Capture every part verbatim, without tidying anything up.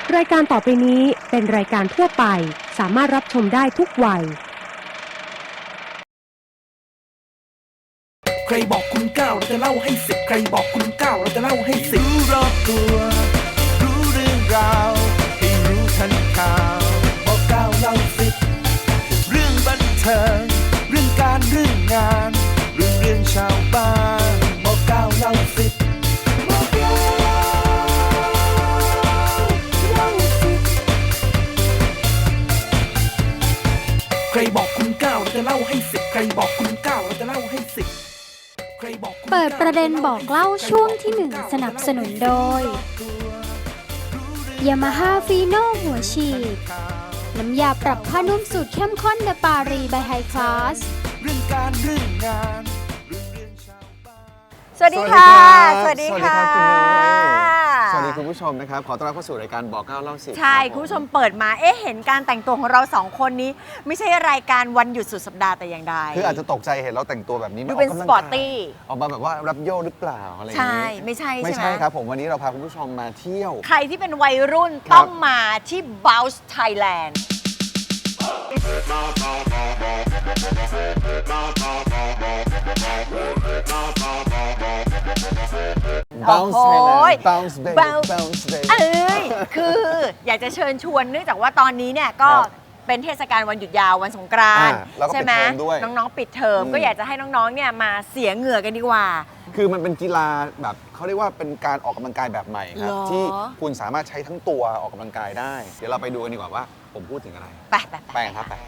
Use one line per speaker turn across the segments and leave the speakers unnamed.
รายการต่อไปนี้เป็นรายการทั่วไปสามารถรับชมได้ทุกวัย
ใครบอกคุณเก้าเราจะเล่าให้สิบใครบอกคุณเก้าเราจะเล่าให้สิบรู้รอบตัวรู้เรื่องราวให้รู้ทันข่าวบอกเก้าเล่าสิบเรื่องบันเทิงเรื่องการเรื่องงานเรื่องเรื่องชาวบ้านบอกเก้าเล่าสิบบอกเก้าเล่าสิบใครบอกคุณเก้าเราจะเล่าให้สิบใครบอกคุณเก้าเราจะเล่าให้สิบ
เปิดประเด็นบอกเล่าช่วงที่หนึ่งสนับสนุนโดย Yamaha Fino หัวฉีดน้ำยาปรับผ้านุ่มสูตรเข้มข้นเดปารีบายไฮคลาส
เรื่องการเรื่องงาน
สวัสดีค่ะสวัสดีค่ะ
สวัสดีคุณผู้ชมนะครับขอต้อนรับเข้าสู่รายการบอกเก้าเล่าสิบ
ใช่คุณผู้ชมเปิดมาเอ๊ะเห็นการแต่งตัวของเราสองคนนี้ไม่ใช่รายการวันหยุดสุดสัปดาห์แต่อย่างใด
คืออาจจะตกใจเห็นเราแต่งตัวแบบนี้
ดูเป็นสปอร์ตตี้
ออกมาแบบว่ารับโยหรือเปล่าอะไรอย่างนี้
ใช่ไม่ใช่
ไม่ใช่ครับผมวันนี้เราพาคุณผู้ชมมาเที่ยว
ใครที่เป็นวัยรุ่นต้องมาที่ Bounce Thailand
Bounce Thailand Bounce Baby Bounce Baby
เอ้ยคืออยากจะเชิญชวนเนื่องจากว่าตอนนี้เนี่ยก็เป็นเทศกาลวันหยุดยาววันสงกรานต์ใช่ไหมน้องๆปิดเทอมก็อยากจะให้น้องๆเนี่ยมาเสียเหงื่อกันดีกว่า
คือมันเป็นกีฬาแบบเขาเรียกว่าเป็นการออกกำลังกายแบบใหม่ครับที่คุณสามารถใช้ทั้งตัวออกกำลังกายได้เดี๋ยวเราไปดูกันดีกว่าว่าผมพูดถึงอะไร
ไปไป
ไปครับไป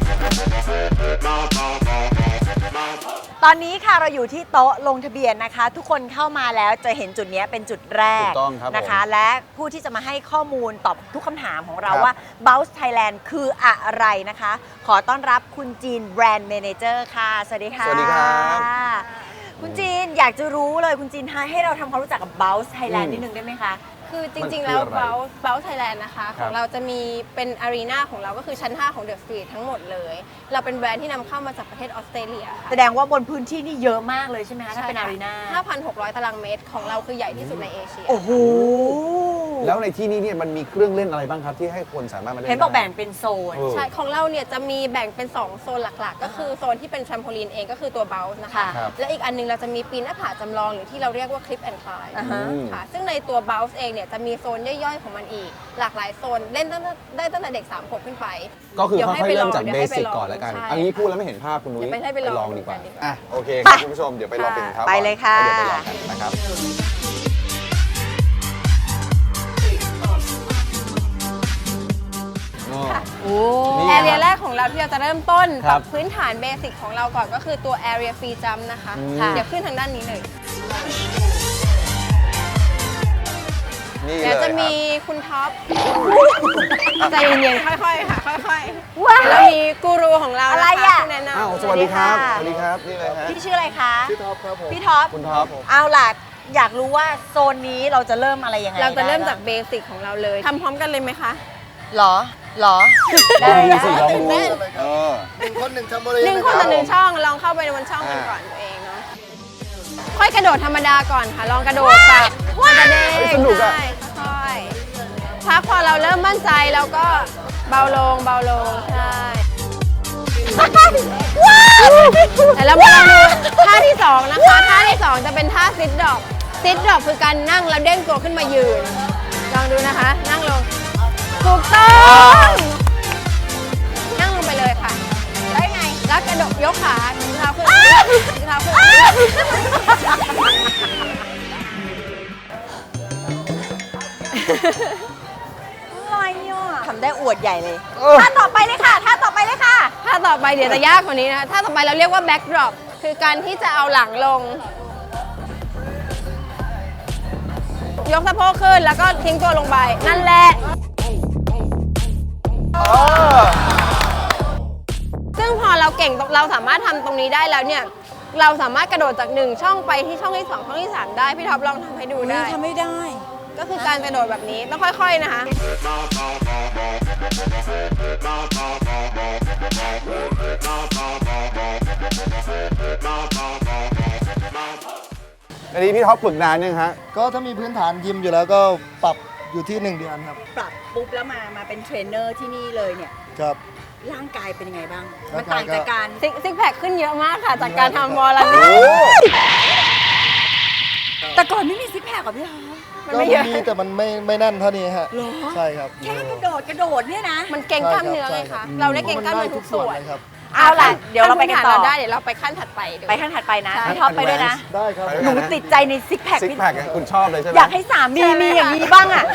ตอนนี้ค่ะเราอยู่ที่โต๊ะลงทะเบียนนะคะทุกคนเข้ามาแล้วจะเห็นจุดนี้เป็นจุดแรกนะคะและผู้ที่จะมาให้ข้อมูลตอบทุกคำถามของเราว่า Bounce Thailand คืออะไรนะคะขอต้อนรับคุณจีนแบรนด์เมเนเจอร์ค่ะสวัสดีค่ะ
สวัสดีครับ
คุณจีนอยากจะรู้เลยคุณจีนให้เราทำความรู้จักกับ Bounce Thailand นิดนึงได้ไหมคะ
คือจริงๆแล้ว Bounce Bounce Thailand นะคะของเราจะมีเป็นอารีนาของเราก็คือชั้นห้าของ The Street ทั้งหมดเลยเราเป็นแบรนด์ที่นำเข้ามาจากประเทศออสเตรเลียค่ะ
แสดงว่าบนพื้นที่นี่เยอะมากเลยใช่ไหมคะถ้าเป็นอารีนา
ห้าพันหกร้อย ตารางเมตรของเราคือใหญ่ที่สุดในเอเชีย
โอ้โห
แล้วในที่นี้เนี่ยมันมีเครื่องเล่นอะไรบ้างครับที่ให้คนสามารถมาเล่น
เห็นบอกแบ่งเป็นโซน
ใช่ของเราเนี่ยจะมีแบ่งเป็นสองโซนหลักๆก็คือโซนที่เป็นแทรมโพลีนเองก็คือตัว Bounce นะคะและอีกอันนึงเราจะมีปีนหน้าผาจำลองหรือที่เราเรียกว่า Clip and Climb ค่ะซึ่งในตัว Bounce เองเนี่ยจะมีโซนย่อยๆของมันอีกหลากหลายโซนเล่นได้ตั้งแต่เด็กสามขวบขึ้นไป
ก็คือค่อยๆเริ่มจากเบสิกก่อนแล้วกันอันนี้พูดแล้วไม่เห็นภาพคุณนุ้ยไปลองดีกว่าอ่ะโอเคครับคุณผู้ชมเดี๋ยวไปลองเป็นครับ
ไปเลยค่ะ
เดี๋ยวไปลองกันนะครับ
แอเรียแรกของเราที่เราจะเริ่มต้นกับพื้นฐานเบสิกของเราก่อนก็คือตัว Area Free Jump นะคะเดี๋ยวขึ้นทางด้านนี้เลยเดี๋ยวจะมีคุณท็อปใจเย็นๆค่อยๆค่ะค่อยๆแล้วมีกูรูของเรา
อะไรอ่ะ
แนะน
ำสวัสดีครับสวัสดีครับนี่เลยฮะ
พี่ชื่ออะไรคะ
พี่ท็อปครับผม
พี่ท็อป
คุณท็อป
เอาล่ะอยากรู้ว่าโซนนี้เราจะเริ่มอะไรยังไง
เราจะเริ่มจากเบสิกของเราเลยทำพร้อมกันเลยไหมคะ
หรอหรอ
ได้สิลองดูเออ
หนึ่งคนหนึ่งช่องหนึ่งคนต่อหนึ่งช่องลองเข้าไปในบนช่องกันก่อนตัวเองเนาะค่อยกระโดดธรรมดาก่อนค่ะลองกระโดดแบบมันจะเด้ง
สนุกอ่ะ
ค่อยพักพอเราเริ่มมั่นใจแล้วก็เบาลงเบาลงใช่แต่เรามาลองดูท่าที่สองนะคะท่าที่สองจะเป็นท่าซิทดรอปซิทดรอปคือการนั่งแล้วเด้งตัวขึ้นมายืนลองดูนะคะนั่งลงถูกต้องนั่งลงไปเลยค่ะได้ไงแล้วกระโดดยกขาเท้าขึ้นเท้าขึ้น
อะไรอ่ะทำได้อวดใหญ่เลยท่าต่อไปเลยค่ะท่าต่อไปเลยค่ะ
ท่าต่อไปเดี๋ยวจะยากกว่านี้นะคะท่าต่อไปเราเรียกว่า back drop คือการที่จะเอาหลังลงยกสะโพกขึ้นแล้วก็ทิ้งตัวลงไปนั่นแหละซึ่งพอเราเก่งเราสามารถทำตรงนี้ได้แล้วเนี่ยเราสามารถกระโดดจากหนึ่งช่องไปที่ช่องที่สองช่องที่สามได้พี่ท็อปลองทำให้ดูได้
ทำไม่ได้
ก็คือการกระโดดแบบนี้ต้องค่อยๆนะคะ
อันนี้พี่ท็อปฝึกนานยังฮะ
ก็ถ้ามีพื้นฐานยิมอยู่แล้วก็ปรับอยู่ที่หนึ่งเดือนครับ
ปรับปุ๊บแล้วมามาเป็นเทรนเนอร์ที่นี่เลยเนี่ย
ครับ
ร่างกายเป็นยังไงบ้าง
ร่า
มัน
งกาย
ต่างจากการ
ซิกซิกแพคขึ้นเยอะมากค่ะ จากการทำวอลลันนี่
แต่ก่อนไม่มีซิกแพคกับพี่ฮะ
มัน
ก็
ไม่เยอะ
มีแต่มันไม่ไม่แน่นเท่านี้ฮะ
เหรอ
ใช่ครับ
แค่กระโดดกระโดดเนี่ยนะ
มันเก่งกล้ามเนื้อไง
ใช่ครั
คะ
บ
เราได้เก่งกล้ามเนื้อทุกส่วน
เลยครับ
เอาล่ะเดี๋ยวเราไปกันต่อ
ขั้พื้ฐได้เดี๋ยวเราไปขั้นถัดไปดู
ไปขั้นถัดไปนะ
ใช่
พี่ท็อปไปด้วยนะ
ได้ครับ
ไปด้วย
หนู
กัะ
ติดใจในซิกแพค
ซิก
พี่
แพคคุณชอบเลยใช่ไหม
อยากให้สามีมีอย่างนี้บ้างอ่ะ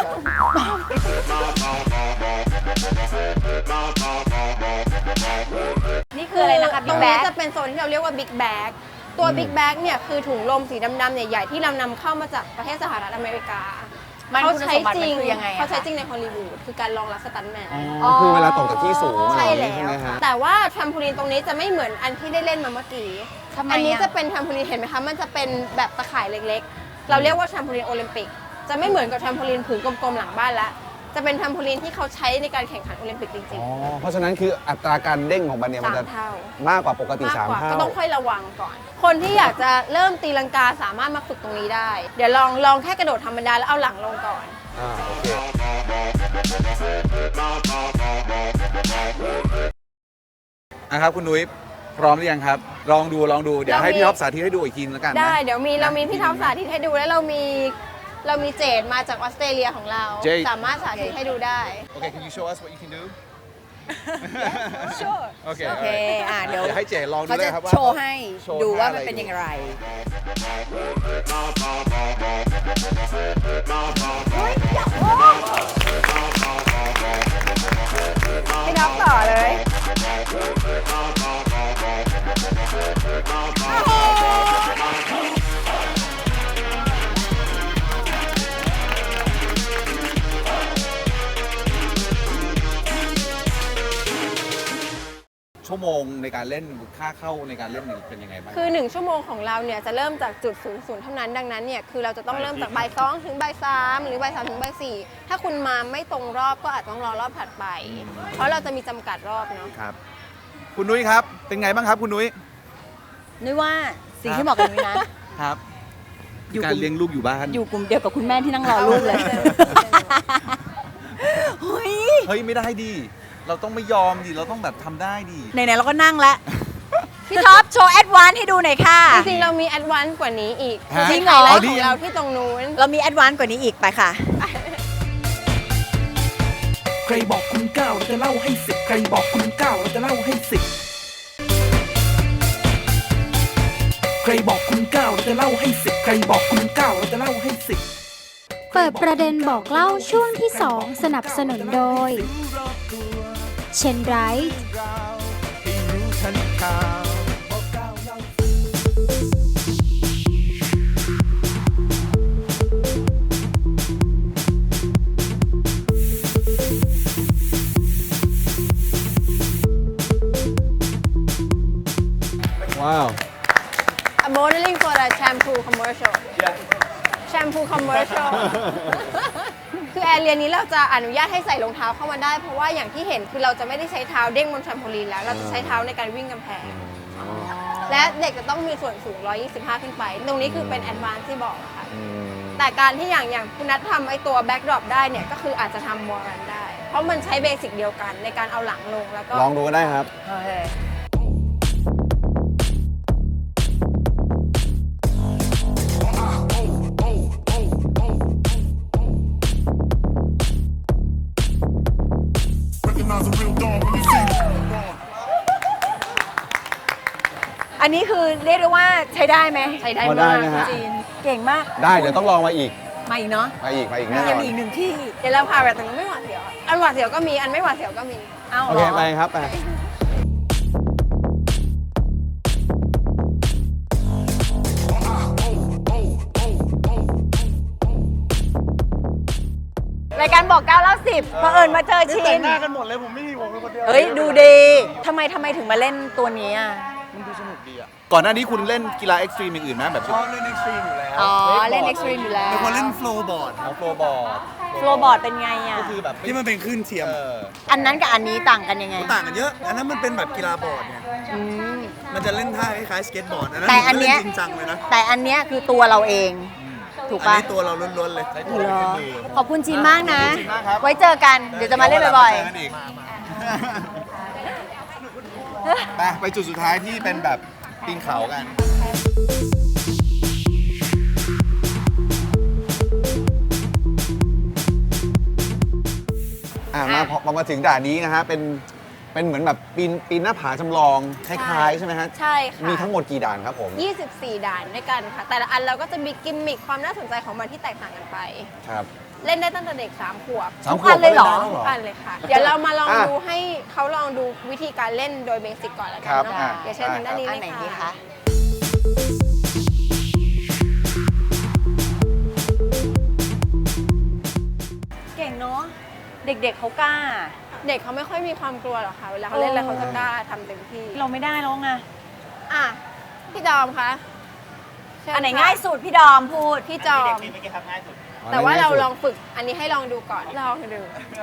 นี่คืออะไรนะคะ
ต
บิ๊
ร
ก
ง
แบ๊
นี้
ก
จะเป็นโซนที่เราเรียกว่าบิ๊กแบ็กตัวบิ๊กแบ็กเนี่ยคือถุงลมสีดำๆใหญ่ๆที่เรานำเข้ามาจากประเทศสหรัฐอเมริกา
มัน
เขา
คุณ
ใช้
สมบัติ
จ
มั
ริ
น
ง
คือยังไงอะ
เขาใช้
คะ
จริงในฮอลลีวูดคือการรองรับสตันท์แมน
อ๋อคือเวลาตกจากที่สูง
ใช่
อะไร
แล้
อย่างนี้
ว
ใช่ไหมฮะ
แต่ว่าแทรมโพลีนตรงนี้จะไม่เหมือนอันที่ได้เล่นมาเมื่อกี้
ทำไม
อันนี้
อะ
จะเป็นแทรมโพลีนเห็นไหมคะมันจะเป็นแบบตะข่ายเล็กๆ เราเรียกว่าแทรมโพลีนโอลิมปิกจะไม่เหมือนกับแทรมโพลีนผืนกลมๆหลังบ้านละจะเป็นแทรมโพลีนที่เขาใช้ในการแข่งขันโอลิมปิกจริง
อ๋อ เพราะฉะนั้นคืออัตราการเด้งของมันเนี่ย
ๆ
มัน
สาม
จะ
เท่า
มากกว่าปกติ
มาก
สาม
กว่า
เท่า
ก็ต้องค่อยระวังก่อน คนที่อยากจะเริ่มตีลังกาสามารถมาฝึกตรงนี้ได้ เดี๋ยวลองลองแค่กระโดดธรรมดาแล้วเอาหลังลงก่อน
อ่าโอเคอ่ะครับคุณนุ้ยพร้อมหรือยังครับ ลองดูลองดูเดี๋ยวให้
เรามี
พี่ท็อปสาธิตให้ดูอีกทีแล้วกันนะ
ได้เดี๋ยวมีเรามีพี่ท็อปสาธิตให้ดูแล้วเรามีเรามีเจดมาจากออสเตรเลียของเรา
เจด
สามารถสาธิตให้ดูได้
Okay can you show us what you can do
Sure
โอเค
โอเคอ่ะเดี๋ยว
เดี๋ยวให้เจลองดู
เขา
เล
จะ
ยครับว่า
โชว์ให้
โชว์
ดูว่า
ท่า
มัน
อะไร
เป็นอย่างไร
พี่ท็อปต่อเลย
ชั่วโมงในการเล่นค่าเข้าในการเล่นเนี่ยเป็นยังไงบ้าง
คือ หนึ่ง ชั่วโมงของเราเนี่ยจะเริ่มจากจุดศูนย์ศูนย์เท่านั้นดังนั้นเนี่ยคือเราจะต้องเริ่มจากบ่ายสองถึงบ่ายสามหรือบ่ายสามถึงบ่ายสี่ถ้าคุณมาไม่ตรงรอบก็อาจต้องรอรอบถัดไป เพราะเราจะมีจำกัดรอบเนาะ
ครับ คุณนุ้ยครับ เป็นไงบ้างครับคุณนุ้ย
นึกว่าสิ่งที่เหมาะกับนุ้ยนะ
ครับ
อยู่
การเลี้ยงลูกอยู่บ้าน
อยู่กลุ่มเดียวกับคุณแม่ที่นั่งรอลูกเลย เฮ้ย
เฮ้ยไม่ได้ดิ เราต้องไม่ยอมดิ เราต้องแบบทำได้ดิ
ไหนๆเราก็นั่งแล้ว พี่ท็อปโชว์แอดวานซ์ให้ดูหน่อยค่ะ
จริงๆเรามีแอดวานซ์กว่านี้อีก
ฮะ
จริง
เหรอ
ไฮไลท์ของเราที่ตรงนู้น
เรามีแอดวานซ์กว่านี้อีกไปค่ะ
ใครบอกคุณเก้าเราจะเล่าให้สิบใครบอกคุณเก้าเราจะเล่าให้สิบใครบอกคุณเก้าเราจะเล่าให้สิบใครบอกคุณเก้าเราจะเล่าให้สิบ
เปิดประเด็นบอกเล่าช่วงที่สองสนับสนุนโดย เชนไรท์
ให้รู้ทันข่าวบอกเก้าเล่าสิบ
ว้าว
A modeling for a shampoo commercial shampoo commercial คือแอร์เรียนนี้เราจะอนุญาตให้ใส่รองเท้าเข้ามาได้ เพราะว่าอย่างที่เห็นคือเราจะไม่ได้ใช้เท้าเด้งบนแทรมโพลีนแล้ว เราจะใช้เท้าในการวิ่งกำแพง และเด็กจะต้องมีส่วนสูงหนึ่งร้อยยี่สิบห้าขึ้นไป ตรงนี้คือเป็นแอดวานซ์ที่บอกอะค่ะ แต่การที่อย่างอย่างคุณนัททำไอตัวแบ็กดรอปได้เนี่ย ก็คืออาจจะทำมอรันได้ เพราะมันใช้เบสิกเดียวกันในการเอาหลังลงแล้วก็
ลองดูก็ได้ครับ
โอเค อันนี้คือเรียกได้ว่าใช้ได้ไหม
ใช้ได้
พอได้
มาก
นะฮะ
จีนเก่งมาก
ได้เดี๋ยวต้องลองมาอีก
มาอีกเนาะ
มาอีก มาอีกแน่น
ยั
อง น
มีอีกหนึ่งที่
เดี๋ยวเราพาแบบตรงนู้นไม่หวาดเสียวอะอันหวาดเสียวก็มีอันไม่หวาดเสียวก็มี
เอ้า
โอ
เหร
เค
อ
ไปครับไป
รายการบอกเก้าเล่าสิบเผอิญมาเจอชิน
แต่งหน้ากันหมดเลย ผมไม่มีผมเป็นคนเดียว
เฮ้ย ดูดีทำไมทำไมถึงมาเล่นตัวนี้อ่ะ
มันดูสนุกดีอ่ะ
ก่อนหน้านี้คุณเล่นกีฬาเอ็กซ์ตรีมอย่างอื่นไหมแบบ
ชอบเล่นเอ็กซ์ตรีมอยู่แล้ว
อ๋อ เล่นเอ็กซ์ตรีมอยู่แล้ว
เป็นคนเล่นโฟล์บอร์ด
ของโฟร์บอร์ด
โฟลบอร์ดเป็นไงอ่ะ
ก็คือแบบ
ที่มันเป็นคลื่นเทียม
เออ
อันนั้นกับอันนี้ต่างกันยังไง
ต่างกันเยอะ อันนั้นมันเป็นแบบกีฬาบอร์ดไง
อืม
มันจะเล่นท่าคล้ายๆสเก็ตบอร์ด อันนั้น
แต่อัน
ผมก็
เนี้
เล่
ย
นจริงจังเลยนะ
แต่อันเนี้ยคือตัวเราเอง
ถ
ถูก
อัน
ปะ
นี้ตัวเราล้วนๆเลย
เหรอขอบคุณจีนมากนะ
ขอบคุณจีนมากครับ
ไว้เจอกัน เดี๋ยวจะมาเล่นบ่อย
เดี๋ววันหลังมาเจอกันอีกไปไปจุดสุดท้ายที่เป็นแบบปีนเขากัน อ่ามาพอพอมาถึงด่านนี้นะฮะ เป็น เป็นเหมือนแบบปีนปีนหน้าผาจำลอง คล้ายๆ ใช่ไหมฮะ
ใช่ค่ะ
มีทั้งหมดกี่ด่านครับผม
ยี่สิบสี่ ด่านด้วยกันค่ะ แต่ละอันเราก็จะมีกิมมิคความน่าสนใจของมันที่แตกต่างกันไป
ครับ
เล่นได้ตั้งแต่เด็กสามขวบ
สามขวบ
ทุกอันเลยเหรอ
ก็
ทุก
ได้
อันเลยค่ะ เดี๋ยวเรามาลอง
อ่ะ
ดูให้เขาลองดูวิธีการเล่นโดยเบสิกก่อนแล้วกั
ครั
น
บ
เนาะ
อ่ะ
เดี๋ยวเชิญทางด้านนี้
ๆ อัน
เล
ไหน
ย
ดี
ค่ะ
คะ เก่งเนาะ เด็กๆเขากล้า
เด็กเขาไม่ค่อยมีความกลัวหรอกค่ะ เวลาเขาเล่นแล้วเขาจะกล้าทำเต็มที่
เราไม่ได้แล้วไง
อ่ะ พี่จอมคะเชิญ
อันไหน
ค่ะ
ง่ายสุดพี่ดอมพูด
พี่จอม แต่ว่าเราลองฝึก อันนี้ให้ลองดูก่อน ลองดู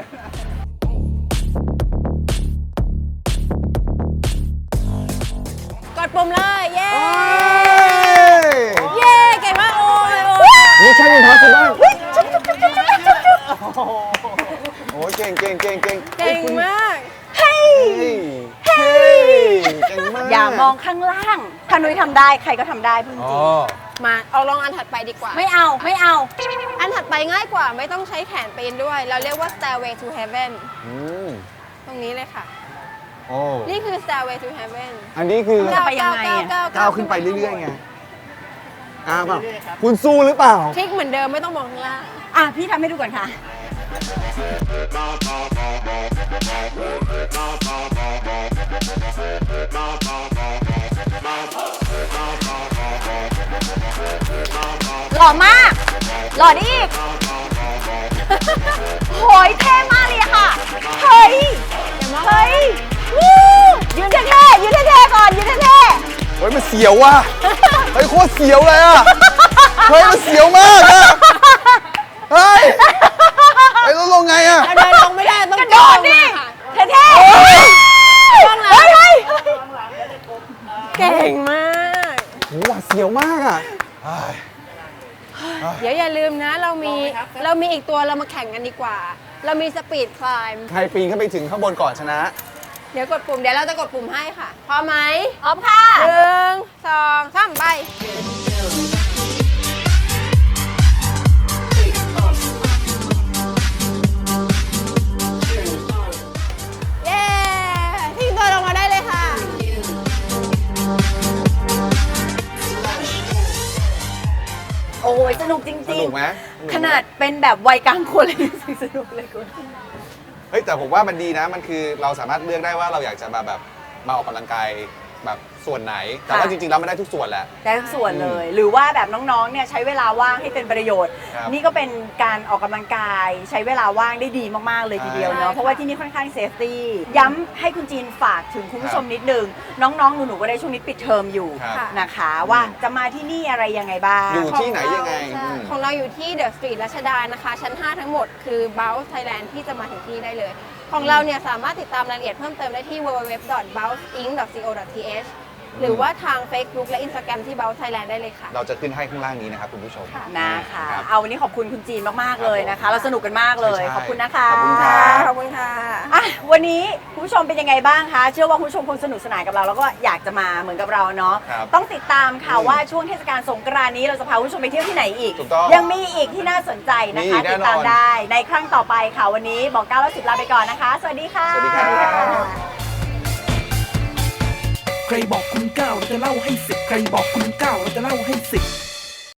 กดปุ่มเลย เย้
เอ้ย
เย้ เก่งมาก โอ้ยโอ้ย
นี่ใช่เป็นพอสิบ้างโอ้ยเก่งเก่งเก่งเก่ง
เก่งมาก
เฮ้ยเฮ้ยเก่งมาก
อย่ามองข้างล่าง ถ้านุ้ยทำได้ใครก็ทำได้พูดจ
อ๋
ริ
อง
มาเอาลองอันถัดไปดีกว่า
ไม่เอาไม่เอา
อันถัดไปง่ายกว่าไม่ต้องใช้แขนปีนด้วย เราเรียกว่า stairway to heaven
อืม
ตรงนี้เลยค่ะ
โอ้
นี่คือ stairway to heaven
อันนี้คือ
จะไปยังไงอะ
ก้าวขึ้นไปเรื่อยๆไงก้าวเปล่าคุณสู้หรือเปล่า
ทริคเหมือนเดิมไม่ต้องมองข้างล่าง
อ่ะพี่ทำให้ดูก่อนค่ะ หล่อมาก หล่อดีอีกโหยเท่มากเลยอะค่ะ เฮ้ย เฮ้ยวู้ยืนเท่ๆยืนเท่ๆก่อน ยืนเท่
เฮ้ยมันเสียวว่ะ เฮ้ยโคตรเสียวเลยอ่ะ เฮ้ยมันเสียวมากอ่ะ เฮ้ยไอ้ยแล้วลงไงอ่ะ
เราเดินลงไม่ได้ต้อง
ๆกระโดดดิ
ค่ะ
เท่ๆ
ข้างหลัง
เฮ้ยเฮ้ย
เก่งมาก
โหหวาดเสียวมากอ่ะเฮ้ย
เดี๋ยวอย่าลืมนะ เรามีเรามีอีกตัวเรามาแข่งกันดีกว่า เรามีสปีดคลาย
ใครปีนขึ้นไปถึงข้างบนก่อนชนะ
เดี๋ยวกดปุ่มเดี๋ยวเราจะกดปุ่มให้ค่ะพร้อมไหม
พร้อมค่ะ
หนึ่งสองสามไป เย้ทิ้งตัวลงมาได้เลยค่ะ
โอ้ยสนุกจริงๆ
สนุกไหมสนุกไหม
ขนาดเป็นแบบวัยกลางคนเลยยังสนุกเลยคุณ
เฮ้ยแต่ผมว่ามันดีนะ มันคือเราสามารถเลือกได้ว่าเราอยากจะมาแบบมาออกกำลังกายแบบส่วนไหน แต่ว่า
ค่ะ
จริงๆแล้วมันได้ทุกส่วนแหละ
ได้ทุกส่วนเลย หรือว่าแบบน้องๆ เนี่ยใช้เวลาว่างให้เป็นประโยชน์
ครับ
นี่ก็เป็นการออกกำลังกาย ใช้เวลาว่างได้ดีมากๆ เลยทีเดียวเนาะ
ใช่ค่ะ
เพราะว่าที่นี่ค่อนข้างเซฟตี้ย้ำให้คุณจีนฝากถึงคุณผู้ชมนิดนึง น้องๆ หนูๆ ก็ได้ช่วงนี้ปิดเทอมอยู่
ครับ
นะคะ ว่าจะมาที่นี่อะไรยังไงบ้าง
อยู่ที่ไหนยังไง
ใช่
อืม
ของเราอยู่ที่เดอะสตรีทรัชดานะคะ ชั้น ห้า ทั้งหมดคือ Bounce Thailand ที่จะมาถึงที่ได้เลย ของเราเนี่ยสามารถติดตามรายละเอียดเพิ่มเติมได้ที่ ดับเบิลยู ดับเบิลยู ดับเบิลยู ดอท บัลส์ อิงค์ ดอท ซี โอ ดอท ที เอช หรือว่าทาง Facebook และ Instagram ที่ Bounce Thailand ได้เลยค่ะ
เราจะขึ้นให้ข้างล่างนี้นะครับคุณผู้ชม
นะคะ
รับ
เอาวันนี้ขอบคุณคุณจีนมากๆ เลยนะคะ เราสนุกกันมากเลย
ใช่
ขอบคุณนะคะ
ขอบคุณครับ
ขอบคุณค่ะ
อ่ะวันนี้คุณผู้ชมเป็นยังไงบ้างคะ เชื่อว่าคุณผู้ชมคงสนุกสนานกับเราแล้วก็อยากจะมาเหมือนกับเราเนาะ
ครับ
ต้องติดตามค่ะ
อืม
ว่าช่วงเทศกาลสงกรานต์นี้เราจะพาคุณผู้ชมไปเที่ยวที่ไหนอีก
ถูกต้อง
ยังมีอีกที่น่าสนใจนะ
มี
คะ
อีกแน่
ติดตาม
นอน
ได้ในครั้งต่อไปค่ะวันนี้บอกเก้าแล้วสิบลาไปก่อนนะคะ สวัสดีค่ะ
สวัสดีครับ
ใครบอกคุณเก้าเราจะเล่าให้สิบใครบอกคุณ